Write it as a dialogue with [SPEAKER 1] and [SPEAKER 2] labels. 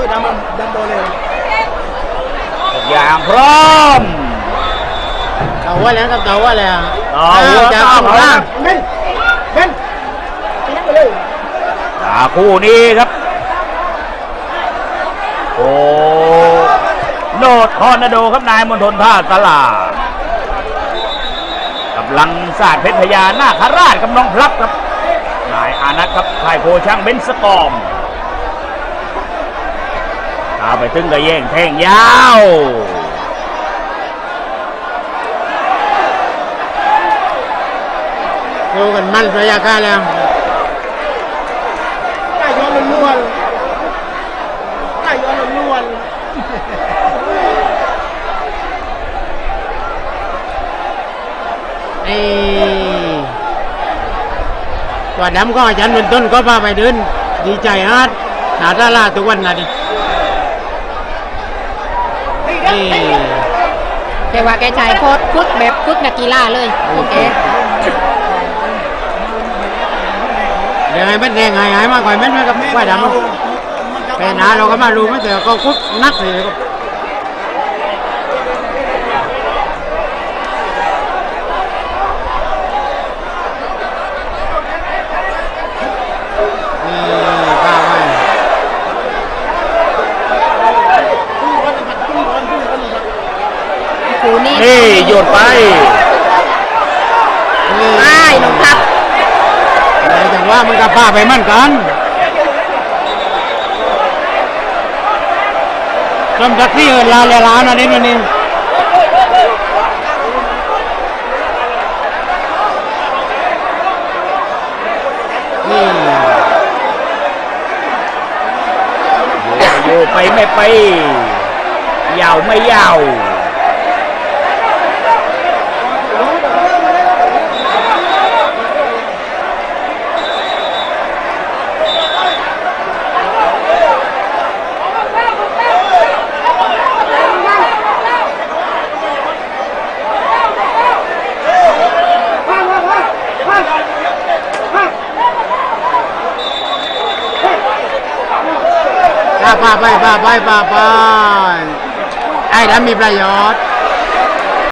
[SPEAKER 1] ดำโดนเลย
[SPEAKER 2] อย่างพร้อม
[SPEAKER 3] เต่าว่าแล้วครับเต่าว่าแล้ว
[SPEAKER 2] จะเข้ามา
[SPEAKER 1] เล่นทิ้งไปเลย
[SPEAKER 2] คู่นี้ครับโอ้โนดทอร์นาโดครับนายมณฑลท่าตลากำลังศาสตร์เพชรพญานาคราชกับน้องพลับครับนายอานัทครับค่ายโพช่างเบนสกอมเอาไปถึงกระแย่งแท่งยาว
[SPEAKER 3] ดูกันมันระยะการแล้ว
[SPEAKER 1] ได้ย้อนล้วนได้ย้อนล้วน
[SPEAKER 3] ตัวดำก็อาจารย์เป็นต้นก็พาไปเดินดีใจฮะหนาตาลาทุกวันนะดิ
[SPEAKER 4] แต่ว่าแกชายโคตรฝึกแบบฝึกนักกีฬาเลยโอเค
[SPEAKER 3] เดี๋ยวไงเป็นแดงหายมากกว่าไม่กับว่าดำแต่หนาเราก็มารู้ไม่แต่ก็คุกนักเลย
[SPEAKER 2] นี่โยนไป
[SPEAKER 4] ไม่น้องครับ
[SPEAKER 3] แต่ว่ามันกับป้าไปมั่นกันจำจักที่ลาเลลานะนี่นี่
[SPEAKER 2] อยู่ไปไม่ไปยาวไม่ยาว
[SPEAKER 3] ป้าไปไอ้ดำมีประโยชน์